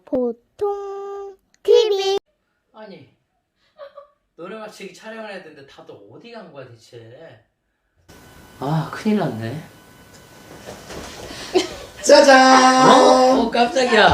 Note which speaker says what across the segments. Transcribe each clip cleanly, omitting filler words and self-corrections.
Speaker 1: 보통 TV.
Speaker 2: 아니 노래 맞추기 촬영을 해야 되는데 다들 어디 간 거야 대체? 아 큰일 났네.
Speaker 3: 짜잔!
Speaker 2: 깜짝이야.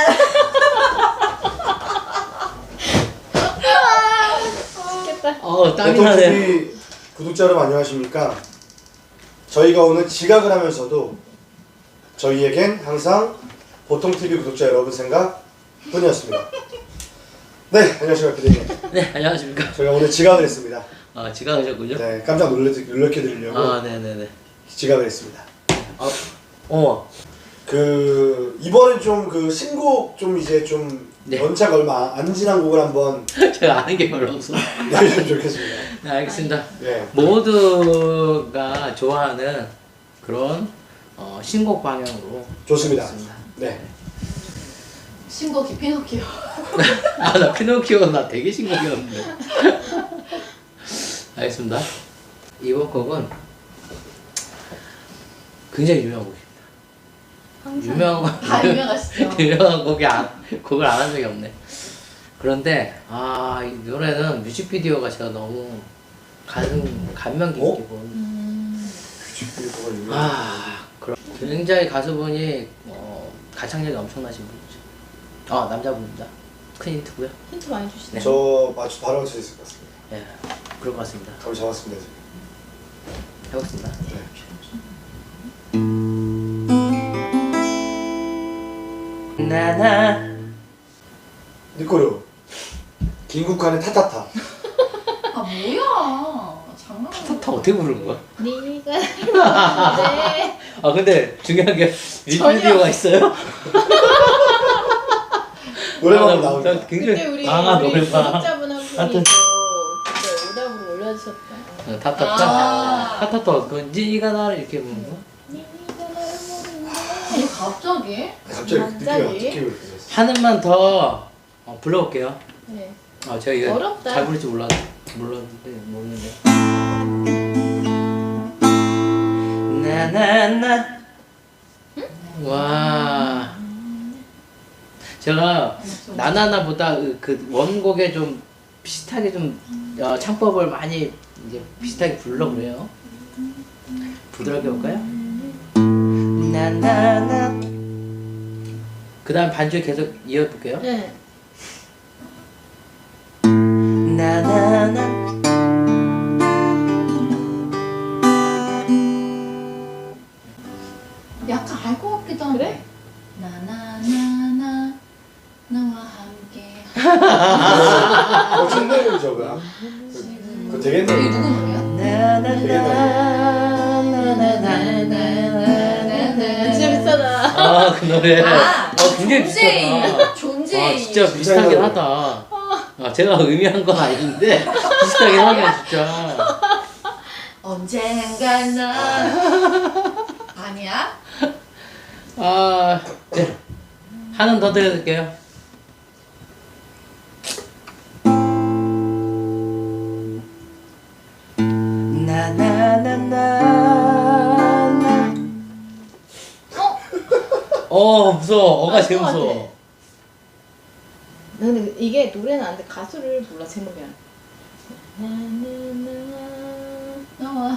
Speaker 1: 맛있겠다.
Speaker 2: 땀이 나네.
Speaker 3: 보통TV 구독자 여러분 안녕하십니까? 저희가 오늘 지각을 하면서도 저희에겐 항상 보통TV 구독자 여러분 생각 뿐이었습니다. 네, 안녕하십니까 PD님.
Speaker 2: 네 안녕하십니까.
Speaker 3: 저희가 오늘 지각을 했습니다.
Speaker 2: 아 지각하셨군요.
Speaker 3: 네, 깜짝 놀래켜 드리려고
Speaker 2: 아 네네네.
Speaker 3: 지각을 했습니다.
Speaker 2: 아
Speaker 3: 이번엔 좀 신곡 좀 이제 좀
Speaker 2: 네.
Speaker 3: 연차가 얼마 안 지난 곡을 한번
Speaker 2: 제가 아는 게 별로 없어.
Speaker 3: 내주시면 좋겠습니다.
Speaker 2: 네 알겠습니다.
Speaker 3: 네.
Speaker 2: 모두가 좋아하는 그런 신곡 방향으로
Speaker 3: 좋습니다.
Speaker 2: 하겠습니다.
Speaker 3: 네.
Speaker 4: 신곡이 피노키오.
Speaker 2: 아 나 피노키오 나 되게 신곡이었는데. 알겠습니다. 이번 곡은 굉장히 유명한 곡입니다. 유명한
Speaker 4: 다 유명하시죠?
Speaker 2: 유명한 곡을 안 한 적이 없네. 그런데 이 노래는 뮤직비디오가 제가 너무 감명 깊게 본.
Speaker 3: 뮤직비디오가 유명한
Speaker 2: 그럼 굉장히 가수분이 가창력이 엄청나신 분이죠. 남자분입니다. 큰 힌트고요.
Speaker 4: 힌트 많이 주시네.
Speaker 3: 저 바로 맞출 수 있을 것 같습니다.
Speaker 2: 예, 그럴 것 같습니다.
Speaker 3: 감을 잡았습니다 지금.
Speaker 2: 해보겠습니다.
Speaker 3: 네.
Speaker 2: 나나
Speaker 3: 니꼬요. 김국환의 타타타.
Speaker 4: 뭐야? 장난.
Speaker 2: 타타 어떻게 부르는 거야?
Speaker 1: 네가 네.
Speaker 2: 근데 중요한 게 뮤직비디오가 있어요?
Speaker 3: 노래방 나오니까.
Speaker 1: 그때
Speaker 2: 굉장히
Speaker 1: 우리
Speaker 2: 노래방.
Speaker 1: 구독자분 한 분이
Speaker 2: 하여튼.
Speaker 1: 그때 오답으로 올려주셨다.
Speaker 2: 타타타 그 니가 나를 이렇게 부르는 거?
Speaker 1: 네가 나를 모른다.
Speaker 4: 아니 갑자기?
Speaker 3: 갑자기
Speaker 1: 갑자기?
Speaker 3: 느낌이 그렇게 됐어.
Speaker 2: 하나만 더 불러볼게요.
Speaker 1: 네.
Speaker 2: 제가 이거
Speaker 1: 어렵다.
Speaker 2: 잘 부를지 모르는데 나나나 와 제가 나나나보다 그 원곡에 좀 비슷하게 좀 창법을 많이 이제 비슷하게 불러 그래요. 부드럽게 볼까요? 나나나 그 다음 반주에 계속 이어볼게요.
Speaker 1: 네.
Speaker 2: 나나나
Speaker 4: 약간 알 것 같기도 한데.
Speaker 1: 그래?
Speaker 4: 나나나나 너와 함께.
Speaker 3: 청담이 저거야. 그거 되게
Speaker 4: 이게
Speaker 3: 옛날에.
Speaker 4: 누구 노래야?
Speaker 1: 진짜 비싸다.
Speaker 2: 그 노래. 굉장히
Speaker 4: 존재이.
Speaker 2: 비슷하다.
Speaker 4: 존재이.
Speaker 2: 진짜 비슷하긴 하다. 제가 의미한 건 아닌데 비슷하긴 하네 진짜.
Speaker 4: 언젠가 나. 아니야?
Speaker 2: 네. 하나 더 드릴게요. 나나나나나. 무서워. 어가 제일
Speaker 1: 것 같아.
Speaker 2: 무서워.
Speaker 1: 근데 이게 노래는 안 돼. 가수를 몰라 제목이야.
Speaker 4: 너와.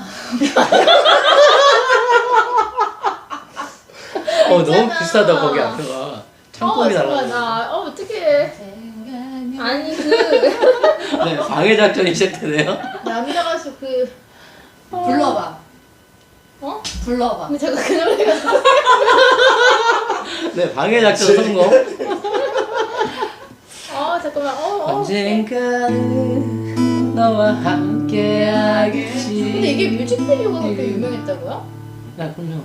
Speaker 2: 너무 비슷하다 거기 앞에가. 창법이 달라.
Speaker 1: 나 어떡해.
Speaker 4: 언젠가
Speaker 1: 아니
Speaker 2: 네, 방해 작전이 시작되네요.
Speaker 1: 남자 가수
Speaker 4: 불러봐.
Speaker 1: 어?
Speaker 4: 불러봐.
Speaker 1: 근데 제가 그 노래가
Speaker 2: 네, 방해 작전 성공.
Speaker 1: 잠깐만.
Speaker 2: 언젠가는 너와 함께하겠지.
Speaker 1: 근데 이게 뮤직비디오가 그렇게 유명했다고요?
Speaker 2: 네, 그럼요.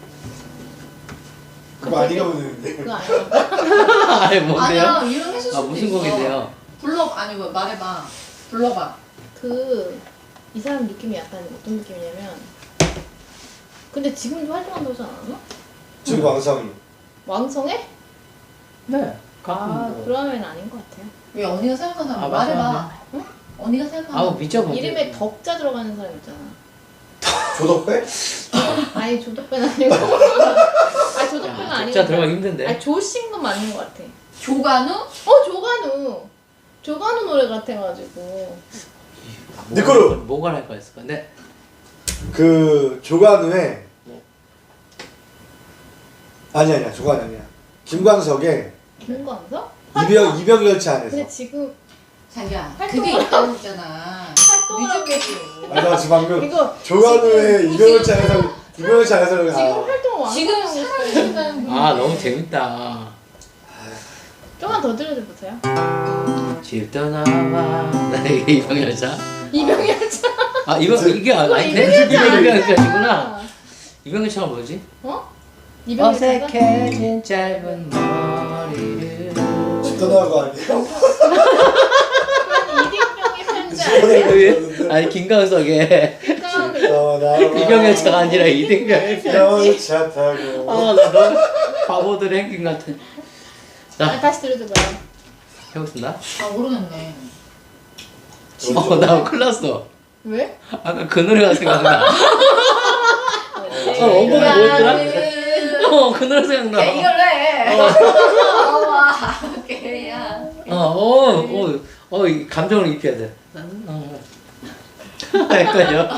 Speaker 3: 그거 아니가 보는데.
Speaker 1: 그거 아니야?
Speaker 2: 아니 뭔데요?
Speaker 4: 아니야 유명했을 수도
Speaker 2: 무슨
Speaker 4: 있어.
Speaker 2: 곡인데요?
Speaker 4: 아니 뭐 말해봐. 불러봐.
Speaker 1: 이 사람 느낌이 약간 어떤 느낌이냐면 근데 지금도 활동한다고 하지 않았나?
Speaker 3: 지금 왕상이.
Speaker 1: 왕성해?
Speaker 2: 네. 가끔
Speaker 1: 그러면 아닌 것 같아요.
Speaker 4: 왜 언니가 생각하는 사람
Speaker 2: 맞아,
Speaker 4: 말해봐. 응? 언니가 생각하는.
Speaker 2: 미쳐봐.
Speaker 1: 이름에 덕자 들어가는 사람 있잖아.
Speaker 3: 조덕배?
Speaker 1: 아니 조덕배는 아니고. 조덕배는 아니고.
Speaker 2: 덕자 들어가기 힘든데.
Speaker 1: 조신 건 맞는 것 같아.
Speaker 4: 조관우?
Speaker 1: 조관우 노래 같아가지고.
Speaker 3: 니코루!
Speaker 2: 뭐가 할 거였을 건데?
Speaker 3: 그 조관우의 아니야 조관우 아니야. 김광석의
Speaker 1: 김광석?
Speaker 3: 이병열차 안에서.
Speaker 1: 근데 지금
Speaker 4: 자기야
Speaker 1: 활동-
Speaker 4: 그게 있다고 했잖아.
Speaker 1: 활동하고
Speaker 4: 뮤직비디오.
Speaker 3: 맞아 지금 방금
Speaker 1: 이거
Speaker 3: 조관우의 이병열차 안에서
Speaker 1: 지금
Speaker 3: 가.
Speaker 1: 활동을 왕
Speaker 4: 지금 사랑해준다는 분.
Speaker 2: 아 너무 재밌다.
Speaker 1: 좀만 더 들려줘보세요.
Speaker 2: 집 떠나와. 나 이게 이병열차.
Speaker 1: 이병열차.
Speaker 2: 아 이게 아닌데? 이병열차구나. 이병열차가 뭐지?
Speaker 1: 어? 이병열차가?
Speaker 2: 어색해진 짧은 머리를.
Speaker 3: 집 떠나고 아니에요?
Speaker 1: 이딩병의 편지
Speaker 3: 네.
Speaker 1: 아니야?
Speaker 2: 아니 김광석의 이병열차가 아니라 이등병의 편지.
Speaker 3: 이병열차 타고.
Speaker 2: 아나 너무 바보들의 행진 같은. 자
Speaker 1: 다시 들려줘봐요.
Speaker 2: 해보겠습니다.
Speaker 4: 아 모르겠네.
Speaker 2: 나 큰일 났어.
Speaker 1: 왜?
Speaker 2: 아까 그 노래가 생각나.
Speaker 1: 네.
Speaker 2: 원곡이 뭐였더라? 그 노래 생각나.
Speaker 4: 야 이걸로 해. 와 개야.
Speaker 2: 이 감정을 입혀야 돼. 헷갈려.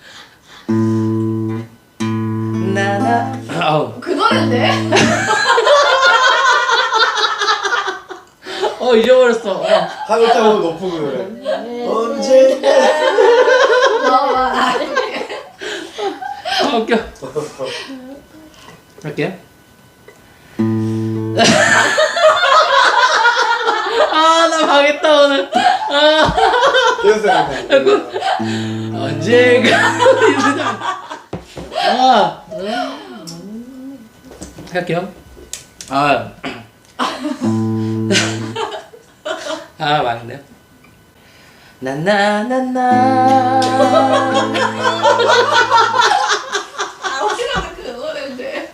Speaker 4: 그 노래인데?
Speaker 2: 잊어버렸어.
Speaker 3: 하늘따고 높은 그 노래. 언제나.
Speaker 4: 나와.
Speaker 2: 웃겨. 할게요. 나 망했다 오늘.
Speaker 3: 계속 생각나.
Speaker 2: 언젠가. 할게요. 망했네요. 나나나나.
Speaker 4: 어디가 그 노래인데?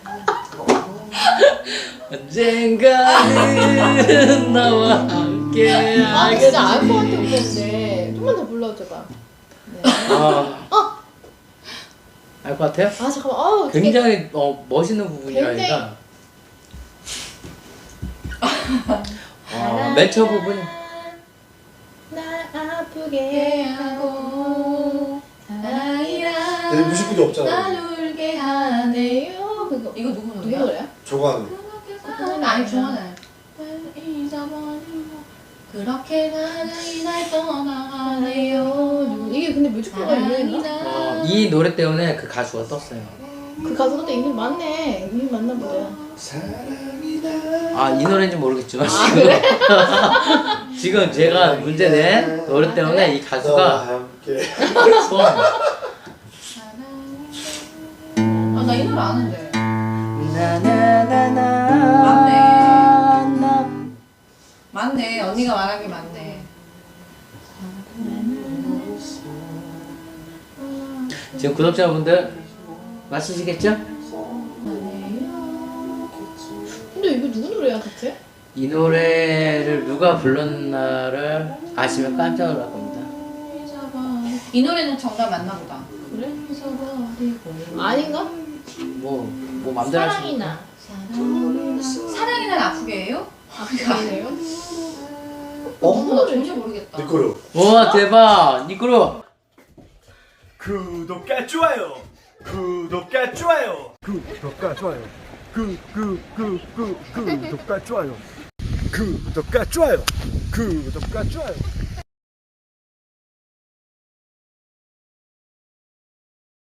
Speaker 2: 언젠가는 나와 함께
Speaker 1: 아 진짜 알 것 같아 오빠인데 좀만 더 불러줘봐. 네.
Speaker 2: 알 것 같아요?
Speaker 1: 아 잠깐만. 아우
Speaker 2: 굉장히 멋있는 부분이라니까. 맨 첫 부분이
Speaker 1: 날 아프게 하고 사랑이라
Speaker 3: 근데 뮤직비디오 없잖아.
Speaker 1: 날 울게 하네요. 그거
Speaker 4: 이거 누구
Speaker 1: 누구
Speaker 4: 노래야?
Speaker 1: 노래야?
Speaker 3: 조관우.
Speaker 4: 아니 좋아해. 잊어버리고 그렇게 사랑이 날 떠나가네요.
Speaker 1: 이게 근데 뮤직비디오가 유명했나?
Speaker 2: 이 노래 때문에 그 가수가 떴어요.
Speaker 1: 그 가수가 또 이름 맞네. 이름 맞나 보다.
Speaker 2: 이 노래인지 모르겠지만 지금 제가 문제 낸 노래 때문에 이
Speaker 3: 너와
Speaker 2: 가수가
Speaker 3: 함께.
Speaker 2: 소원.
Speaker 4: 나 이 노래 아는데.
Speaker 2: 나나나나.
Speaker 4: 맞네. 언니가 말한 게 맞네.
Speaker 2: 지금 구독자분들 맞추시겠죠?
Speaker 1: 근데 이거 누구 노래야 대체?
Speaker 2: 이 노래를 누가 불렀나를 아시면 깜짝 놀랄 겁니다.
Speaker 4: 이 노래는 정답 맞나 보다.
Speaker 1: 그래? 아닌가?
Speaker 2: 뭐 맘대로 하시면.
Speaker 1: 사랑이나
Speaker 4: 사랑이 날 아프게 해요?
Speaker 1: 아프게 하네요.
Speaker 4: 나 전혀 모르겠다.
Speaker 3: 니코루.
Speaker 2: 와 대박 니꾸루.
Speaker 3: 구독과 좋아요. 구독과 좋아요. 구독과 좋아요. 구독과 좋아요. 구독과 좋아요. 구독과 좋아요. 구독과 좋아요.